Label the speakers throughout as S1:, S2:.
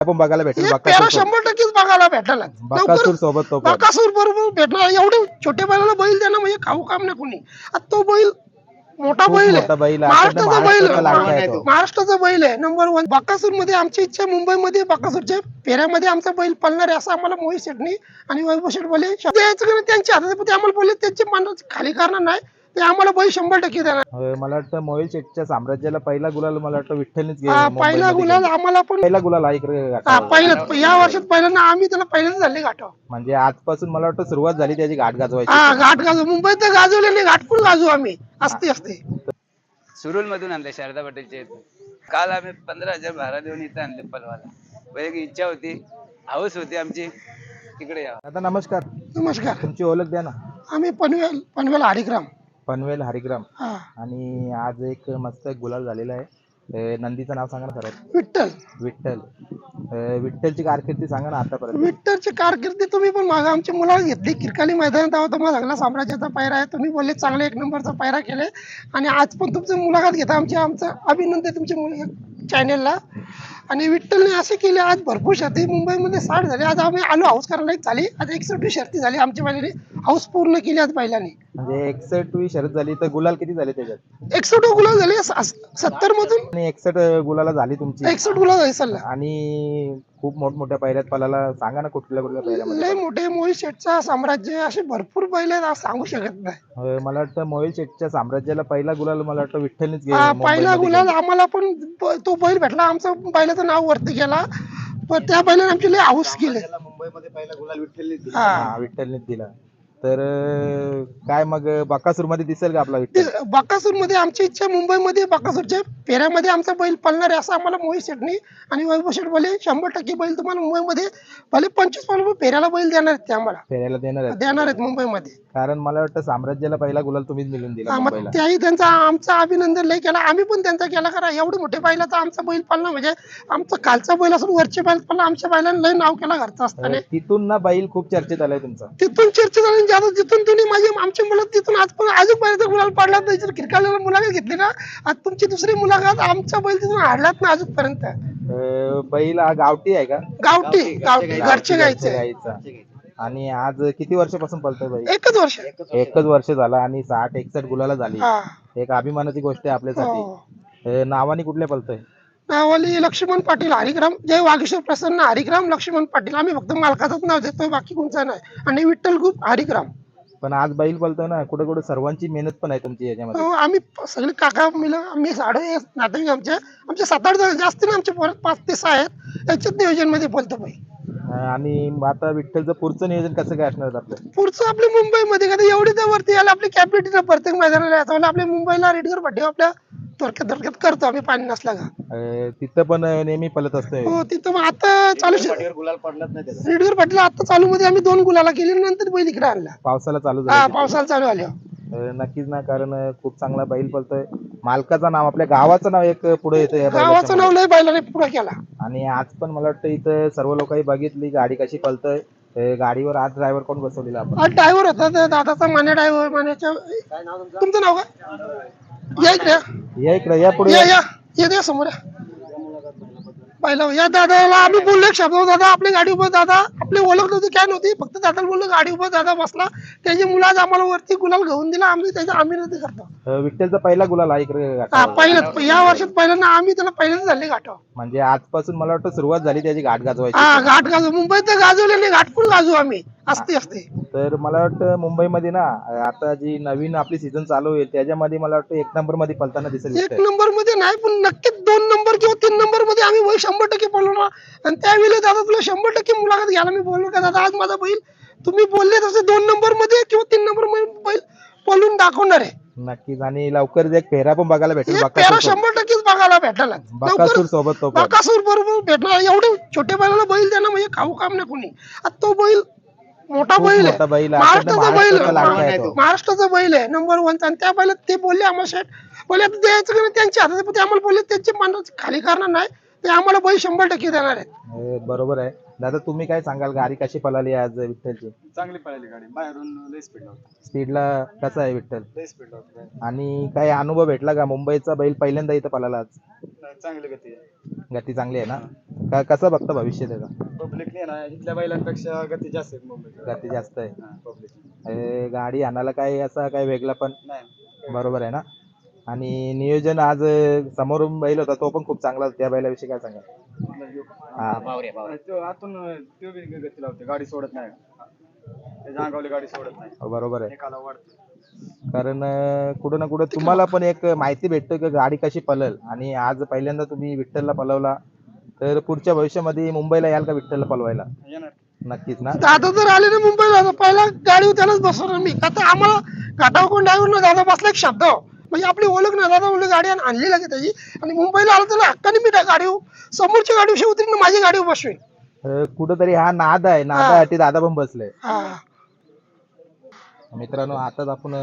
S1: आपण बघायला भेटेल
S2: पेरा
S1: बकासूर
S2: 100% बघायला भेटायला
S1: बकासूर सोबत तो पण.
S2: बकासूर बरोबर भेटणार. एवढे छोटे बैलाला बैल देणं म्हणजे खाऊ काम नाही कोणी. आता तो बैल मोठा
S1: खूप
S2: बैल
S1: मोठा
S2: आहे,
S1: बैल आहे.
S2: महाराष्ट्राचा बैल
S1: महाराष्ट्राचा लाडका आहे
S2: आहे,
S1: तो.
S2: महाराष्ट्राचा बैल आहे नंबर 1. बकासूर मध्ये आमची इच्छा मुंबईमध्ये बकासूरच्या फेऱ्यामध्ये आमचा बैल पळणार आहे असं आम्हाला मोहित शेटणी आणि वैभव शेट बोलले. त्यांच्या हातात ते आम्हाला बोलले त्यांचे मन खाली करणार नाही, ते आम्हाला बैल 100% देणार.
S1: मला वाटतं मोहिल शेठच्या साम्राज्याला पहिला गुलाल मला वाटतं विठ्ठलनीच
S2: पहिला
S1: मुंबईमध्ये
S2: गुलाल
S1: घेऊन.
S2: आम्हाला पण
S1: पहिला गुलाल आहे इकडे
S2: पहिलं
S1: घाटावर.
S2: या वर्षात पहिल्यांदा आम्ही त्याला पहिल्यांदा झाले गाठव.
S1: म्हणजे आजपासून मला वाटतं सुरुवात झाली त्याची घाट गाजवायची.
S2: हा घाट गाजू मुंबईत तर गाजवले नाही, घाटपूर गाजू आम्ही असते.
S3: सुरुल मधून आणले शारदा पटेलच्या इथून. काल आम्ही 15,000 भाडा देऊन इथं आणले पलवाला. पण एक इच्छा होती, हौस होती आमची तिकडे यावं.
S1: आता नमस्कार,
S2: नमस्कार.
S1: तुमची ओळख द्या ना.
S2: आम्ही पनवेल हरिग्राम.
S1: पनवेल हरिग्राम.
S2: हा
S1: आणि आज एक मस्त गुलाल झालेला आहे. नंदीचं नाव सांगा ना सर्वात.
S2: विठ्ठल.
S1: विठ्ठल. विठ्ठलची कारकिर्दी सांगा ना आतापर्यंत.
S2: विठ्ठलची कारकिर्दी तुम्ही पण मागा आमची मुलाला घेतली किरकाली मैदानात आहोत. तुम्हाला सगळा साम्राज्याचा पायरा आहे, तुम्ही बोलले चांगले 1 नंबरचा पायरा केले आणि आज पण तुमची मुलाखत घेता आमचं अभिनंदन तुमच्या चॅनेलला. आणि विठ्ठलने असे केले आज भरपूर शर्ती मुंबईमध्ये 60 झाले. आज आम्ही आलो हाऊस करायला झाली. आज 61 शर्ती झाली आमच्या बैलाने हाऊस पूर्ण केली आज बैलाने.
S1: म्हणजे 61वी शर्यत झाली तर गुलाल किती झाले त्याच्यात.
S2: 61 गुलाल झाले 70 मधून.
S1: आणि 61 गुलाला झाली तुमची.
S2: 61 गुलाल झाले सल्ला.
S1: आणि खूप मोठमोठ्या पायऱ्यात पलाला सांगा ना कुठल्या कुठल्या पायऱ्यामध्ये.
S2: लय मोठे मोहित शेठचा साम्राज्य असे भरपूर बैल आहेत, आज सांगू शकत नाही.
S1: मला वाटतं मोहिल शेठच्या साम्राज्याला पहिला गुलाल मला वाटतं विठ्ठलनीच
S2: पहिला गुलाल आम्हाला पण तो बैल भेटला. आमचा बैलाचं नाव वरती गेला, पण त्या बैलाने आमची लय हाऊस केली.
S1: मुंबईमध्ये पहिला गुलाल विठ्ठलनीच दिला. तर काय मग बकासूर मध्ये दिसेल का आपला विठ्ठल.
S2: बकासूर मध्ये आमची इच्छा मुंबईमध्ये बकासूरच्या फेऱ्यामध्ये आमचा बैल पळणार आहे असं आम्हाला मोहित शेटणी आणि वैभव शेट बोलले. 100% बैल तुम्हाला मुंबईमध्ये भले 25 पाऊल फेऱ्याला बैल देणार आहेत, ते आम्हाला
S1: फेऱ्याला
S2: देणार आहेत मुंबईमध्ये.
S1: कारण मला वाटतं साम्राज्याला पहिला गुलाल तुम्हीच मिळून दिला मुंबईला.
S2: त्याही त्यांचा आमचा अभिनंदन लय केला, आम्ही पण त्यांचा केला. करा एवढे मोठे बैल तर आमचा बैल पळणं म्हणजे आमचा कालचा बैल असून वरचे बैल पळणं आमच्या बैलांना लय नाव केला घरचा असताना.
S1: तिथून ना बैल खूप चर्चेत आलाय तुमचा.
S2: तिथून चर्चा झाली ज्यादा, तिथून तुम्ही आमची मुलं तिथून आज पण अजून बैलाचा गुलाल पाडला नाही. जर किरकाल्याला मुलाखत घेतली ना, आज तुमची दुसरी मुलाखत, आमचा बैल तिथून हाडलाच ना अजूनपर्यंत.
S1: बैल हा गावठी आहे का.
S2: गावठी घरचे गायचे.
S1: आणि आज किती वर्षापासून पळतोय बैल.
S2: 1 वर्ष.
S1: 1 वर्ष झाला आणि 60-61 गुलाला झाली.
S2: हा.
S1: एक अभिमानाची गोष्ट आहे आपल्यासाठी.
S2: हो.
S1: नावाने कुठल्या पळतोय.
S2: नावाली लक्ष्मण पाटील हरिग्राम. जय वागेश्वर प्रसन्न हरिग्राम लक्ष्मण पाटील. आम्ही फक्त मालकाचंच नाव देतोय, बाकी कोणचं नाही. आणि विठ्ठल ग्रुप हरिग्राम.
S1: पण आज बैल पळतोय ना, कुठे कुठे सर्वांची मेहनत पण आहे तुमची याच्यामध्ये.
S2: आम्ही सगळे काका मिळून आम्ही साडे नातेवाईक आमचे 7-8 जण जास्त ना, आमचे 5 ते 6 आहेत. याच्यात नियोजन मध्ये बोलतो बाई.
S1: आणि आता विठ्ठलचं पुढचं नियोजन कसं काय असणार आपलं.
S2: पुढचं आपल्या मुंबईमध्ये कधी एवढी तर वरती यायला आपली कॅपॅसिटी प्रत्येक मैदानाला याचा आपल्या मुंबईला रेडगर पट्टी आपल्या थोडक्यात करतो आम्ही पाणी नसला का.
S1: तिथं पण नेहमी पळत असतोय.
S2: हो तिथं मग आता चालू
S1: गुलाल पडलाच नाही.
S2: रेडगर पट्टीला आता चालू मध्ये आम्ही 2 गुलाला केली, नंतर बैल इकडे आणला
S1: पावसाला चालू
S2: हा
S1: झालं.
S2: पावसाला चालू आल्या.
S1: नक्कीच ना, कारण खूप चांगला बैल पळतोय. मालकाचं नाव, आपल्या गावाचं नाव एक पुढे येतं.
S2: गावाचं नाव लय बैलाने पुढे केला.
S1: आणि आज पण मला वाटतं इथं सर्व लोकांनी बघितली गाडी कशी पळतोय. गाडीवर आज ड्रायव्हर कोण बसवलेला आपण.
S2: आज ड्रायव्हर होता ते दादाचा माने ड्रायव्हर. मानेच्या तुमचं नाव काय. या इकडे
S1: या इकडे या पुढे
S2: या समोर या. पहिला या दादाला आम्ही बोललो एक शब्द, दादा आपली गाडी उभं. दादा आपली ओळख नव्हती काय नव्हती, फक्त दादाला बोललो गाडी उभं. दादा बसला, त्याची मुलं आज आम्हाला वरती गुलाल घेऊन दिला. आम्ही त्याचा अभिनंदन करतो.
S1: विठ्ठलचा पहिला गुलाल आहे इकडे
S2: पहिलं या वर्षात पहिल्यांदा आम्ही त्याला पहिल्यांदा झाले गाठव.
S1: म्हणजे आजपासून मला वाटतं सुरुवात झाली त्याची घाट गाजवायची.
S2: हा घाट गाजू मुंबईत तर गाजवले नाही, घाटपूर गाजू आम्ही असते.
S1: तर मला वाटतं मुंबईमध्ये ना आता जी नवीन आपली सीझन चालू होईल त्याच्यामध्ये मला वाटतं 1 नंबर मध्ये पळताना दिसेल.
S2: 1 नंबर मध्ये नाही, पण नक्कीच 2 नंबर किंवा 3 नंबर मध्ये आम्ही बैल 100% पळवणार. आणि त्यावेळी दादा तुला 100% मुलाखत घ्यायला मी बोललो का दादा आज माझा बैल तुम्ही बोलले तसे 2 नंबर मध्ये किंवा 3 नंबर मध्ये बैल पळून दाखवणार आहे.
S1: नक्कीच. आणि लवकर एक फेरा पण बघायला भेटेल.
S2: पेरा 100% बघायला भेटायला
S1: बकासूर सोबत तो पण.
S2: बकासूर बरोबर भेटणार. एवढे छोटे बैलाला बैल देणं म्हणजे खाऊ काम नाही कोणी. आता तो बैल मोठा बैल आहे, महाराष्ट्राचा बैल आहे, महाराष्ट्राचा बैल आहे नंबर 1. आणि त्या बैलात ते बोलले आम्हाला शेठ बोलले द्यायचं का त्यांच्या हातात, ते आम्हाला बोलले त्यांचे मन खाली करणार नाही, ते आम्हाला बैल 100% देणार आहेत.
S1: बरोबर आहे दादा. तुम्ही काय सांगाल, गाडी कशी पळाली आज विठ्ठलची?
S4: चांगली पळाली गाडी, बाहेरून लय स्पीड होता,
S1: स्पीडला कसा आहे विठ्ठल?
S4: लय स्पीड होता.
S1: आणि काय अनुभव भेटला का? मुंबईचा बैल पहिल्यांदा इथं पळाला आज.
S4: चांगली गती आहे.
S1: गती चांगली आहे ना? कसं बघता भविष्य त्याचा?
S4: पब्लिकने ना इथल्या बैलांपेक्षा गती जास्त आहे मुंबईत.
S1: गती जास्त आहे.
S4: पब्लिक
S1: गाडी आणायला काय असा काय वेगळा पण
S4: नाही.
S1: बरोबर आहे ना? आणि नियोजन आज समोरून बैल होता तो पण खूप चांगला होता. त्या बैलाविषयी काय सांगा? हा.
S4: तो आतून तो बी गती लावते, गाडी सोडत नाही, त्याच्या अंगावली गाडी सोडत नाही,
S1: बरोबर आहे.
S4: एकाला वाढते.
S1: कारण कुठं ना कुठं तुम्हाला पण एक माहिती भेटतं की गाडी कशी पळल. आणि आज पहिल्यांदा तुम्ही विठ्ठलला पळवला, तर पुढच्या भविष्यामध्ये मुंबईला याल का विठ्ठलला पळवायला?
S4: येणार.
S1: नक्कीच ना?
S2: दादा जर आले ना मुंबईला तर पहिला गाडीवर त्यालाच बसवणार मी. आता आम्हाला घाटावर कोण ड्रायव्हर ना दादा बसला एक शब्द म्हणजे आपली ओळख ना दादा म्हणलं गाडी आणली लागेल त्याची. आणि मुंबईला आलं तर हक्काने मी त्या गाडीवर समोरच्या गाडीवर उतरीन माझी गाडीवर बसवेन.
S1: कुठंतरी हा नाद आहे, नादासाठी दादा पण बसले.
S2: हा.
S1: मित्रांनो, आताच आपण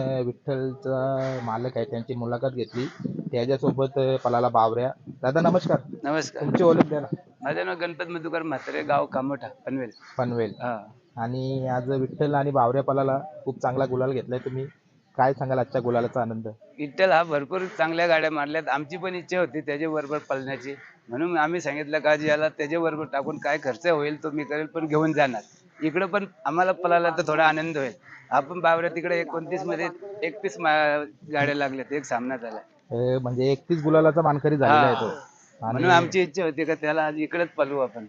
S1: विठ्ठलचा मालक आहे त्यांची मुलाखत घेतली. त्याच्यासोबत पलाला बावऱ्या. दादा नमस्कार.
S3: नमस्कार.
S1: तुमची ओळख द्या ना.
S3: माझं नाव गणपत मधुकर म्हात्रे, गाव कामोठा, पनवेल.
S1: पनवेल.
S3: हा.
S1: आणि आज विठ्ठल आणि बावऱ्या पलाला खूप चांगला गुलाल घेतलाय तुम्ही. काय सांगाल आजच्या गुलालाचा आनंद?
S3: विठ्ठल हा भरपूर चांगल्या गाड्या मारल्यात. आमची पण इच्छा होती त्याच्या बरोबर पळण्याची, म्हणून आम्ही सांगितलं का याला त्याच्या बरोबर टाकून काय खर्च होईल तो मी करेल, पण घेऊन जाणार. इकडं पण आम्हाला पळाला तर थोडा आनंद होईल. आपण बावऱ्या तिकडे 29 मध्ये 31 गाड्या लागल्यात, एक सामना झाला.
S1: म्हणजे 31 गुलालाचा मानकरी झालेला आहे तो.
S3: म्हणून आमची इच्छा होती का त्याला आज इकडेच पळवू आपण.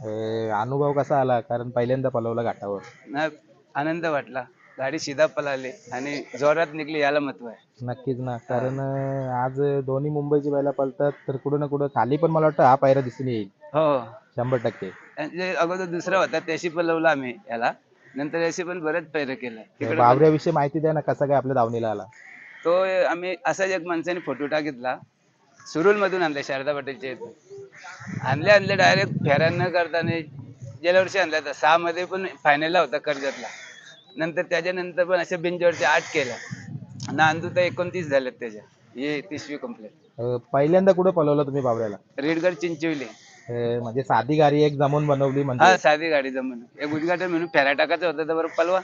S1: अनुभव कसा आला? कारण पहिल्यांदा पळवला घाटावर.
S3: ना आनंद वाटला, गाडी सीधा पळाली आणि जोरात निघली, याला महत्व आहे.
S1: नक्कीच ना. कारण आज दोन्ही मुंबईची बैला पळतात, तर कुठं ना कुठं खाली पण मला वाटतं हा पायरा दिसून येईल
S3: हो
S1: 100%.
S3: म्हणजे अगोदर दुसरा होता त्याशी पळवला आम्ही याला, नंतर याशी पण बरेच पैर केलं. तिकडे
S1: बावऱ्याविषयी माहिती द्या ना, कसा काय आपल्या दावणीला आला?
S3: तो आम्ही असाच एक माणसाने फोटो टाकितला, सुरुल मधून आणला, शारदा पटेलच्या इथून आणले डायरेक्ट फेऱ्या न करताना. गेल्या वर्षी आणला होता 6 मध्ये पण फायनलला होता कर्जतला. नंतर त्याच्यानंतर पण अशा बिंजवरच्या 8 केल्या, नांदू तर 29 झाल्यात त्याच्या. हे 30वी कंप्लीट.
S1: पहिल्यांदा कुठं पळवलं तुम्ही बावऱ्याला?
S3: रेडगड चिंचवली.
S1: म्हणजे साधी गाडी एक जमून बनवली म्हणजे?
S3: हा, साधी गाडी जमून एक उद्घाटन म्हणून फेऱ्या टाकायचं होतं, तर बरं पलवा.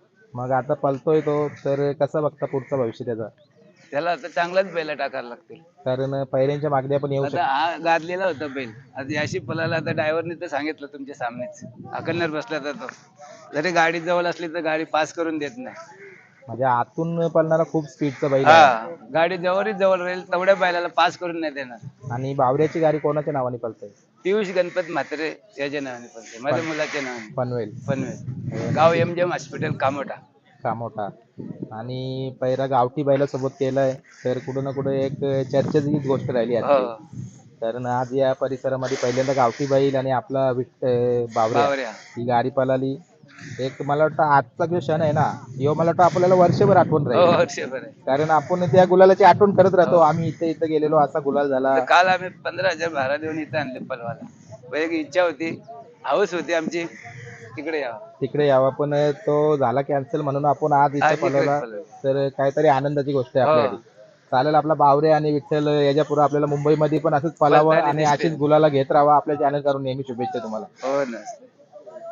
S1: मग आता पळतोय तो, तर कसं बघता पुढचं भविष्य त्याचा?
S3: त्याला आता चांगलाच बैल टाकायला लागतील.
S1: कारण पहिल्यांच्या मागण्या पण येऊ
S3: आता
S1: शकतात.
S3: हा गाजलेला होता बैल, आता याशी पळाला. आता ड्रायव्हरने तर सांगितलं तुमच्या सामनेच, अकन्नर बसला तर तो जरी गाडी जवळ असली तर गाडी पास करून देत नाही.
S1: म्हणजे आतून पळणारा खूप स्पीडचा बैल
S3: हा,
S1: आहे.
S3: गाडी जवळ राहील तेवढ्या बैलाला पास करून नाही देणार.
S1: आणि बावऱ्याची गाडी कोणाच्या नावाने पळते?
S3: पियुष गणपत म्हात्रे याच्या नावाने पळते, माझ्या मुलाच्या नावाने.
S1: पनवेल.
S3: पनवेल, गाव MGM हॉस्पिटल कामोठा.
S1: कामोठा. आणि पहिला गावठी बैला सोबत केलाय, तर कुठं ना कुठं एक चर्चेची गोष्ट राहिली
S3: हो,
S1: आहे. कारण आज या परिसरामध्ये पहिल्यांदा गावठी बैल आणि आपला बावऱ्या
S3: बावऱ्या.
S1: ही गाडी पळाली. एक मला वाटतं आजचा जो क्षण आहे ना, ह्यो मला वाटतं आपल्याला वर्षभर आठवण
S3: हो,
S1: राहील.
S3: वर्षभर आहे.
S1: कारण आपण त्या गुलालाची आठवण करत राहतो. आम्ही इथे गेलेलो, असा गुलाल झाला.
S3: तर काल आम्ही 15,000 भाडा देऊन इथं आणले पलवाला. एक इच्छा होती, हौस होती आमची तिकडे यावं.
S1: तिकडे यावा, पण तो झाला कॅन्सल, म्हणून आपण आज इथे
S3: आज इकडेच
S1: पळवला.
S3: पळवलं.
S1: तर काहीतरी आनंदाची गोष्ट आहे
S3: हो.
S1: आपल्यासाठी. चालेल, आपला बावरे आणि विठ्ठल याच्या पुढे आपल्याला मुंबईमध्ये पण असंच पळावं
S3: पळताना
S1: आणि
S3: दिसतील.
S1: अशीच गुलाला घेत राहावा. आपल्या चॅनल करून नेहमी शुभेच्छा तुम्हाला.
S3: हो ना.